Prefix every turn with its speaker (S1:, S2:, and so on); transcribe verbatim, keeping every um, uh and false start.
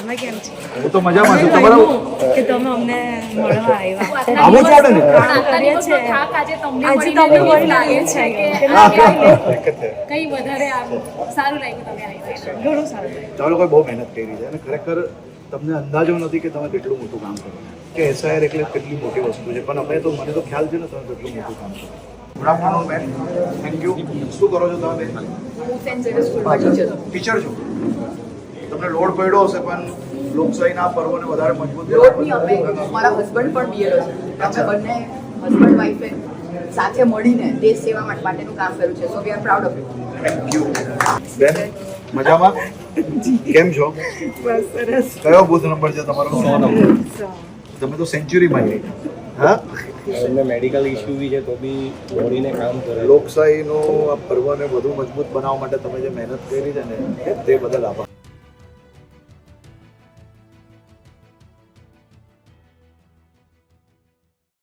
S1: તમે કેમ છો?
S2: હું તો મજામાં છું. તમારો
S1: કે તમે અમને મળવા આવ્યા.
S2: આવો છો ને?
S1: કામ કરીએ છીએ.
S3: આજે તમને
S1: આજે
S3: મળીને
S1: તમને
S3: એવું
S1: મળીને
S3: લાગે
S1: એવું
S3: છે કે
S2: ઘણું
S3: કઈ વધારે આમ સારું લાગ્યું તમે આવ્યા છો.
S1: સારું લાગ્યું.
S2: તમે લોકોએ બહુ મહેનત કરી છે અને ખરેખર તમને અંદાજો નથી કે તમે કેટલું મોટું કામ કરો કે એસઆઈઆર એટલે કેટલી મોટી વસ્તુ છે, પણ અમે તો મને તો ખ્યાલ છે ને તમે કેટલું મોટું કામ કરો. ગુડ આફ્ટરનૂન બેન, થેન્ક યુ. શું કરો છો તમે બેન?
S3: હું સેન્ટ ઝેવિયર સ્કૂલમાં ટીચર છું.
S2: ટીચર છો. તમને લોડ પડ્યો હશે, પણ લોકશાહીના પર્વને વધારે મજબૂત
S4: રોડની અમે મારા હસબન્ડ પણ બીએલઓ છે. અમે બંને હસબન્ડ વાઈફે સાથે મળીને દેશ સેવા માટે માટેનું કામ કર્યું છે. So we are proud of you.
S2: Thank you. બેન મજામાં કેમ છો?
S1: બસ સરસ.
S2: કયો બુથ નંબર છે તમારો? સો નંબર. તમે તો સેન્ચુરીમાં જઈ હા.
S5: એમને મેડિકલ ઇસ્યુ બી છે તો બી દોડીને કામ કરે.
S2: લોકશાહીનો આ પર્વને વધુ મજબૂત બનાવવા માટે તમે જે મહેનત કરી છે ને તે બદલ આભાર.